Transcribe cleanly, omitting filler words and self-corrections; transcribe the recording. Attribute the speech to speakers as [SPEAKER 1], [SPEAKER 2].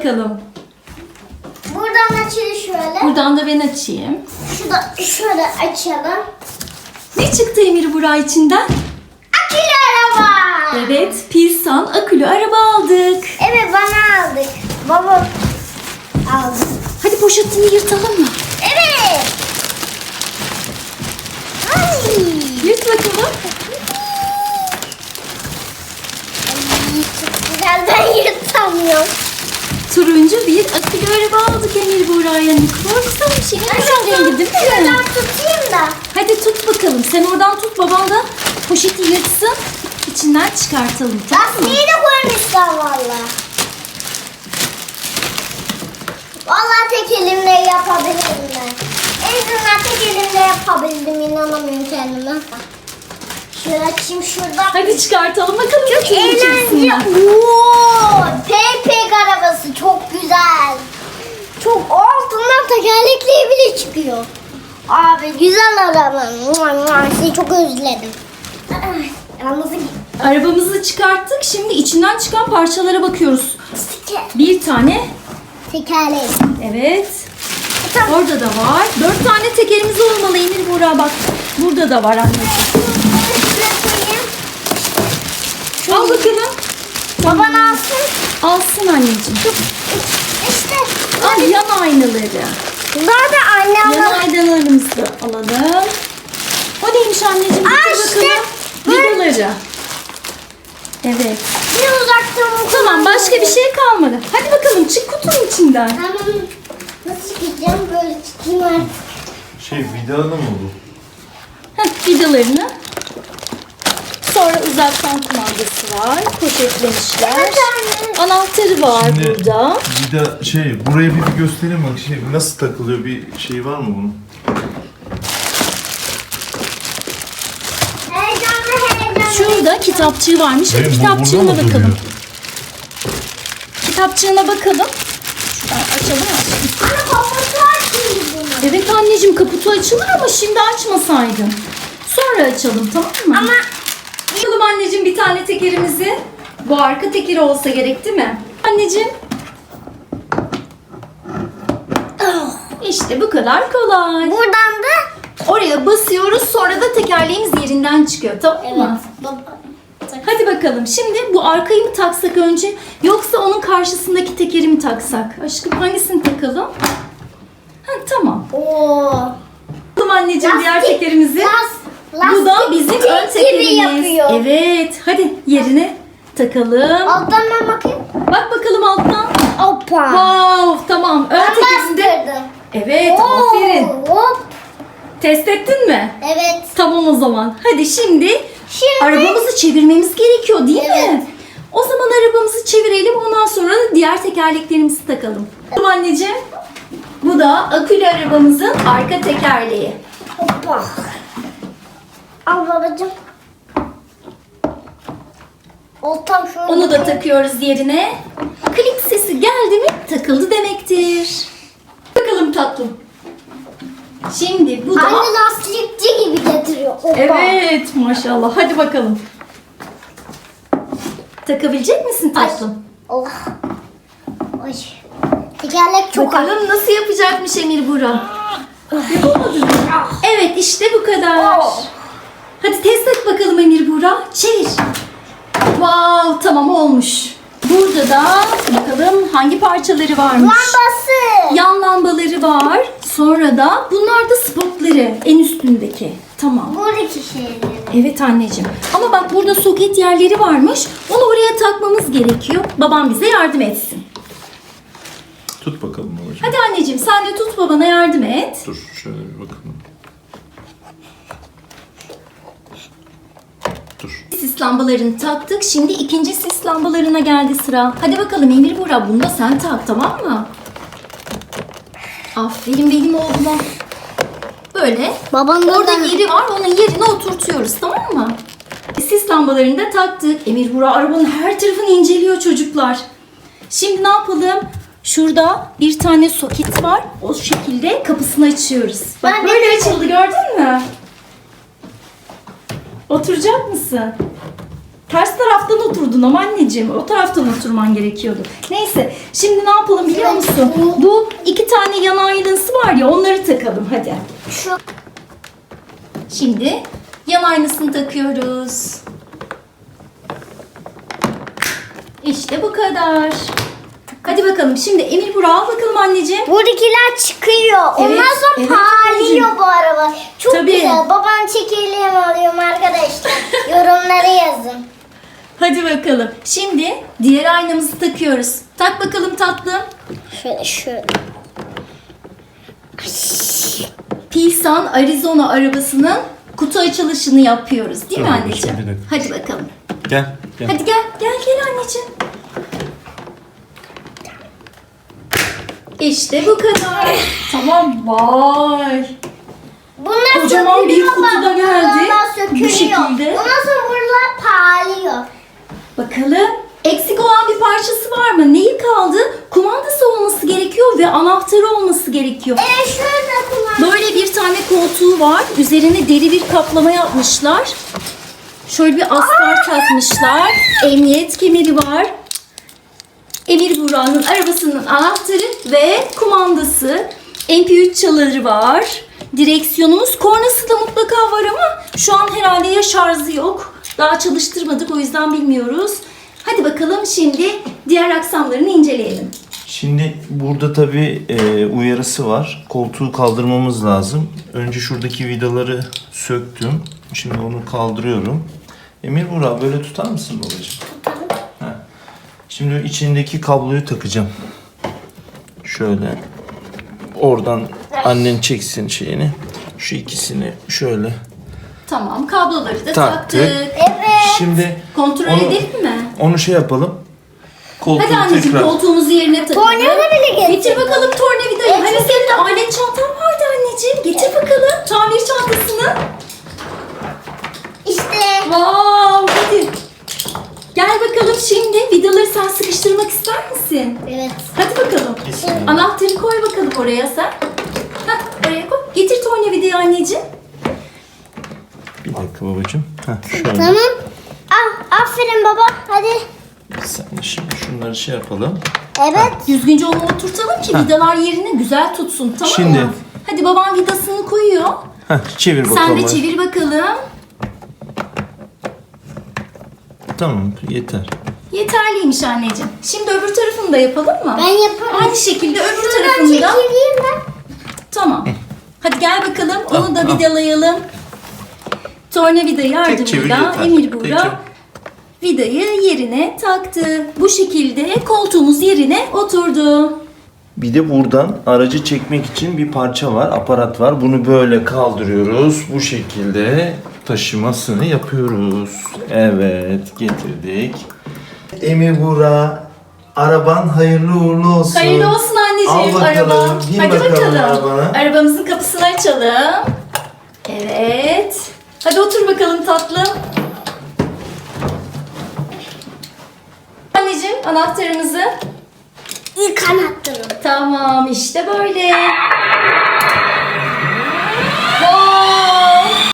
[SPEAKER 1] bakalım.
[SPEAKER 2] Buradan açılır şöyle.
[SPEAKER 1] Buradan da ben açayım.
[SPEAKER 2] Şurada şöyle açalım.
[SPEAKER 1] Ne çıktı Emir Burak içinden?
[SPEAKER 2] Akülü araba.
[SPEAKER 1] Evet, Pilsan akülü araba aldık.
[SPEAKER 2] Evet, bana aldık. Baba aldı.
[SPEAKER 1] Hadi poşetini yırtalım mı?
[SPEAKER 2] Evet. Ay.
[SPEAKER 1] Yırt bakalım.
[SPEAKER 2] Ay, çok güzel, ben yırtamıyorum.
[SPEAKER 1] Turuncu bir akülü araba aldık Emir Burak'a. Ne kadar güzel bir şey. Güzel rengi değil mi?
[SPEAKER 2] Şuradan tutayım da.
[SPEAKER 1] Hadi tut bakalım. Sen oradan tut, baban da poşeti yırtsın. İçinden çıkartalım. Tamam mı?
[SPEAKER 2] Lastiği de koymuşlar valla. Valla tek elimle yapabilirim ben. En azından tek elimle yapabildim. İnanamıyorum kendime. Şöyle açayım şuradan.
[SPEAKER 1] Hadi çıkartalım bakalım.
[SPEAKER 2] Çok eğlenceli. Pepek arabası çok güzel. Çok altından tekerlekli bile çıkıyor. Abi güzel araba. Seni çok özledim. Yalnız
[SPEAKER 1] Arabamızı çıkarttık. Şimdi içinden çıkan parçalara bakıyoruz. Bir tane.
[SPEAKER 2] tekerlek.
[SPEAKER 1] Evet.
[SPEAKER 2] Tamam.
[SPEAKER 1] Orada da var. 4 tane tekerimiz olmalı Emir Burak, bak. Burada da var anneciğim.
[SPEAKER 2] Şuraya koyayım.
[SPEAKER 1] Al bakalım.
[SPEAKER 2] Baban alsın.
[SPEAKER 1] Alsın anneciğim.
[SPEAKER 2] İşte.
[SPEAKER 1] Al yan aynaları.
[SPEAKER 2] Daha da anne
[SPEAKER 1] Yan
[SPEAKER 2] alır.
[SPEAKER 1] aynalarımızı da alalım. O neymiş anneciğim?
[SPEAKER 2] Aa,
[SPEAKER 1] Getir
[SPEAKER 2] işte.
[SPEAKER 1] bakalım. Vidaları. Evet.
[SPEAKER 2] Bir uzaktan
[SPEAKER 1] Tamam, başka bir şey kalmadı. Hadi bakalım, çık kutunun içinden.
[SPEAKER 2] Tamam. Nasıl çıkacağım? Böyle çıkayım artık.
[SPEAKER 3] Vidalı mı bu?
[SPEAKER 1] Heh, vidalarını. Sonra uzaktan kumandası var. Poşetlemişler.
[SPEAKER 2] Evet anne.
[SPEAKER 1] Anahtarı var burada.
[SPEAKER 3] Buraya bir göstereyim bak. Nasıl takılıyor, bir şey var mı bunun?
[SPEAKER 2] Heyecanlı.
[SPEAKER 1] Şurada kitapçığı varmış. Hadi
[SPEAKER 3] Bu
[SPEAKER 1] kitapçığına
[SPEAKER 3] burada mı
[SPEAKER 1] bakalım.
[SPEAKER 3] duruyor?
[SPEAKER 1] Kitapçığına bakalım. Şuradan açalım.
[SPEAKER 2] Anne kafası var şimdi bunun.
[SPEAKER 1] Evet anneciğim, kaputu açılır ama şimdi açmasaydın. Sonra açalım, tamam mı?
[SPEAKER 2] Ama
[SPEAKER 1] Açalım anneciğim bir tane tekerimizi. Bu arka tekeri olsa gerek değil mi? Anneciğim. İşte bu kadar kolay.
[SPEAKER 2] buradan da
[SPEAKER 1] Oraya basıyoruz, sonra da tekerleğimiz yerinden çıkıyor, tamam mı?
[SPEAKER 2] baba.
[SPEAKER 1] Hadi bakalım. Şimdi bu arkayı mı taksak önce, yoksa onun karşısındaki tekeri mi taksak? Aşkım, hangisini takalım? Ha, tamam.
[SPEAKER 2] Oo.
[SPEAKER 1] Takalım anneciğim diğer
[SPEAKER 2] Lastik,
[SPEAKER 1] tekerimizi. Bu da bizim ön
[SPEAKER 2] lastik gibi
[SPEAKER 1] tekerimiz.
[SPEAKER 2] yapıyor.
[SPEAKER 1] Evet. Hadi yerine takalım.
[SPEAKER 2] Alttan ben bakayım.
[SPEAKER 1] Bak bakalım alttan.
[SPEAKER 2] Hoppa.
[SPEAKER 1] Wow, tamam. Ön
[SPEAKER 2] Ben
[SPEAKER 1] tekerinde.
[SPEAKER 2] bastırdım.
[SPEAKER 1] Evet,
[SPEAKER 2] Oo,
[SPEAKER 1] aferin.
[SPEAKER 2] Hop.
[SPEAKER 1] Test ettin mi?
[SPEAKER 2] Evet.
[SPEAKER 1] Tamam o zaman. Hadi şimdi arabamızı çevirmemiz gerekiyor değil
[SPEAKER 2] Evet.
[SPEAKER 1] mi? O zaman arabamızı çevirelim. Ondan sonra da diğer tekerleklerimizi takalım. Tamam anneciğim. Bu da akülü arabamızın arka tekerleği.
[SPEAKER 2] Hoppa. Al babacığım. Oltam şöyle.
[SPEAKER 1] Onu da takıyoruz yerine. Klik sesi geldi mi takıldı demektir. Bakalım tatlım. Şimdi bu da...
[SPEAKER 2] Anne lastikçi gibi getiriyor. Hoppa.
[SPEAKER 1] Evet maşallah. Hadi bakalım. Takabilecek misin tatlım?
[SPEAKER 2] Oh. Ay. Tekerlek çok ağır.
[SPEAKER 1] Bakalım nasıl yapacakmış Emir Burak. Yapamadın mı? Evet işte bu kadar.
[SPEAKER 2] Oh.
[SPEAKER 1] Hadi test et bakalım Emir Burak. Çevir. Wow, tamam olmuş. Burada da bakalım hangi parçaları varmış.
[SPEAKER 2] Lambası.
[SPEAKER 1] Yan lambaları var. Sonra da bunlar da spotları en üstündeki. Tamam.
[SPEAKER 2] Buradaki şeyleri.
[SPEAKER 1] Evet anneciğim. Ama bak burada soket yerleri varmış. Onu oraya takmamız gerekiyor. Babam bize yardım etsin.
[SPEAKER 3] Tut bakalım babacığım.
[SPEAKER 1] Hadi anneciğim sen de tut, babana yardım et.
[SPEAKER 3] Dur şöyle bir bakalım. Dur.
[SPEAKER 1] Sis lambalarını taktık. Şimdi ikinci sis lambalarına geldi sıra. Hadi bakalım Emir Burak, bunu da sen tak, tamam mı? Aferin benim oğluma. Böyle.
[SPEAKER 2] Babam da
[SPEAKER 1] Orada yeri var. Onun yerine oturtuyoruz, tamam mı? Sis lambalarını da taktık. Emir Burak arabanın her tarafını inceliyor çocuklar. Şimdi ne yapalım? Şurada bir tane soket var. O şekilde kapısını açıyoruz. Bak
[SPEAKER 2] Ben
[SPEAKER 1] böyle açıldı, gördün mü? Oturacak mısın? Ters taraftan oturdun ama anneciğim. O taraftan oturman gerekiyordu. Neyse. Şimdi ne yapalım biliyor musun? Bu 2 tane yan aynası var ya, onları takalım hadi.
[SPEAKER 2] Şu
[SPEAKER 1] Şimdi yan aynasını takıyoruz. İşte bu kadar. Hadi bakalım. Şimdi Emir Burak al bakalım anneciğim.
[SPEAKER 2] buradakiler çıkıyor.
[SPEAKER 1] Evet,
[SPEAKER 2] Ondan sonra
[SPEAKER 1] evet
[SPEAKER 2] parlıyor
[SPEAKER 1] anneciğim.
[SPEAKER 2] bu araba. Çok
[SPEAKER 1] Tabii.
[SPEAKER 2] güzel. Babam çekirdeğimi alıyorum arkadaşlar. Yorumlara yazın.
[SPEAKER 1] Hadi bakalım. Şimdi diğer aynamızı takıyoruz. Tak bakalım tatlım.
[SPEAKER 2] Şöyle.
[SPEAKER 1] Pilsan Arizona arabasının kutu açılışını yapıyoruz. Değil mi
[SPEAKER 3] Tamam,
[SPEAKER 1] anneciğim?
[SPEAKER 3] bir dakika.
[SPEAKER 1] Hadi bakalım.
[SPEAKER 3] Gel.
[SPEAKER 1] Hadi gel anneciğim. İşte bu kadar. Tamam, vay.
[SPEAKER 2] Bunlar
[SPEAKER 1] Kocaman bir
[SPEAKER 2] sökülüyor
[SPEAKER 1] kutu da
[SPEAKER 2] bak,
[SPEAKER 1] geldi.
[SPEAKER 2] bunlar
[SPEAKER 1] Bu
[SPEAKER 2] sökülüyor.
[SPEAKER 1] şekilde.
[SPEAKER 2] Ondan sonra buralar parlıyor.
[SPEAKER 1] Bakalım. Eksik olan bir parçası var mı? Neyi kaldı? Kumandası olması gerekiyor ve anahtarı olması gerekiyor.
[SPEAKER 2] Şurada kullan.
[SPEAKER 1] Böyle bir tane koltuğu var. Üzerine deri bir kaplama yapmışlar. Şöyle bir astar takmışlar. Emniyet kemeri var. Emir Burak'ın arabasının anahtarı ve kumandası. MP3 çaları var. Direksiyonumuz, kornası da mutlaka var ama şu an herhalde ya şarjı yok. Daha çalıştırmadık, o yüzden bilmiyoruz. Hadi bakalım şimdi diğer aksamlarını inceleyelim.
[SPEAKER 3] Şimdi burada tabii uyarısı var. Koltuğu kaldırmamız lazım. Önce şuradaki vidaları söktüm. Şimdi onu kaldırıyorum. Emir Burak böyle tutar mısın babacığım? Heh. Şimdi içindeki kabloyu takacağım. Şöyle. Oradan annen çeksin şeyini. Şu ikisini şöyle
[SPEAKER 1] Tamam, kabloları da
[SPEAKER 3] taktık.
[SPEAKER 1] taktık.
[SPEAKER 2] Evet.
[SPEAKER 3] Şimdi
[SPEAKER 1] Kontrol edelim mi?
[SPEAKER 3] onu şey yapalım. Koltuğu
[SPEAKER 1] Hadi anneciğim,
[SPEAKER 3] tekrar.
[SPEAKER 1] koltuğumuzu yerine takalım.
[SPEAKER 2] Tornavida bile getir.
[SPEAKER 1] Getir bakalım tornavidayı. Hani senin de alet çantan vardı anneciğim. Getir bakalım tamir çantasını.
[SPEAKER 2] İşte.
[SPEAKER 1] Wow, hadi. Gel bakalım şimdi. Vidaları sen sıkıştırmak ister misin?
[SPEAKER 2] Evet.
[SPEAKER 1] Hadi bakalım.
[SPEAKER 3] Bismillah.
[SPEAKER 1] Anahtarı koy bakalım oraya sen. Hah, oraya koy. Getir tornavidayı anneciğim.
[SPEAKER 3] Bir dakika babacığım. Heh, şöyle.
[SPEAKER 2] Tamam. Aferin baba. Hadi.
[SPEAKER 3] Sen de şimdi şunları şey yapalım.
[SPEAKER 2] Evet.
[SPEAKER 1] Düzgünce onu oturtalım ki vidalar yerine güzel tutsun, tamam
[SPEAKER 3] Şimdi.
[SPEAKER 1] mı? Hadi baban vidasını koyuyor.
[SPEAKER 3] Heh, çevir bakalım.
[SPEAKER 1] Sen de çevir bakalım.
[SPEAKER 3] Tamam, yeter.
[SPEAKER 1] Yeterliymiş anneciğim. Şimdi öbür tarafını da yapalım mı?
[SPEAKER 2] Ben yaparım.
[SPEAKER 1] Aynı şekilde öbür
[SPEAKER 2] Şuradan
[SPEAKER 1] tarafını da.
[SPEAKER 2] çekileyim ben.
[SPEAKER 1] Tamam. Hadi gel bakalım. Onu da
[SPEAKER 3] al.
[SPEAKER 1] vidalayalım. Tornavida
[SPEAKER 3] çevir
[SPEAKER 1] yardımıyla
[SPEAKER 3] yeter.
[SPEAKER 1] Emir
[SPEAKER 3] Tek
[SPEAKER 1] Burak vidayı yerine taktı. Bu şekilde koltuğumuz yerine oturdu.
[SPEAKER 3] Bir de buradan aracı çekmek için bir parça var, aparat var. Bunu böyle kaldırıyoruz. Bu şekilde taşımasını yapıyoruz. Evet, getirdik. Emir Burak, araban hayırlı uğurlu olsun.
[SPEAKER 1] Hayırlı olsun anneciğim
[SPEAKER 3] Al bakalım,
[SPEAKER 1] araba.
[SPEAKER 3] bin
[SPEAKER 1] Hadi
[SPEAKER 3] bakalım
[SPEAKER 1] bakalım.
[SPEAKER 3] arabana.
[SPEAKER 1] Arabamızın kapısını açalım. Evet. Hadi otur bakalım tatlım. Anneciğim anahtarımızı.
[SPEAKER 2] İlk anahtarım.
[SPEAKER 1] Tamam işte böyle.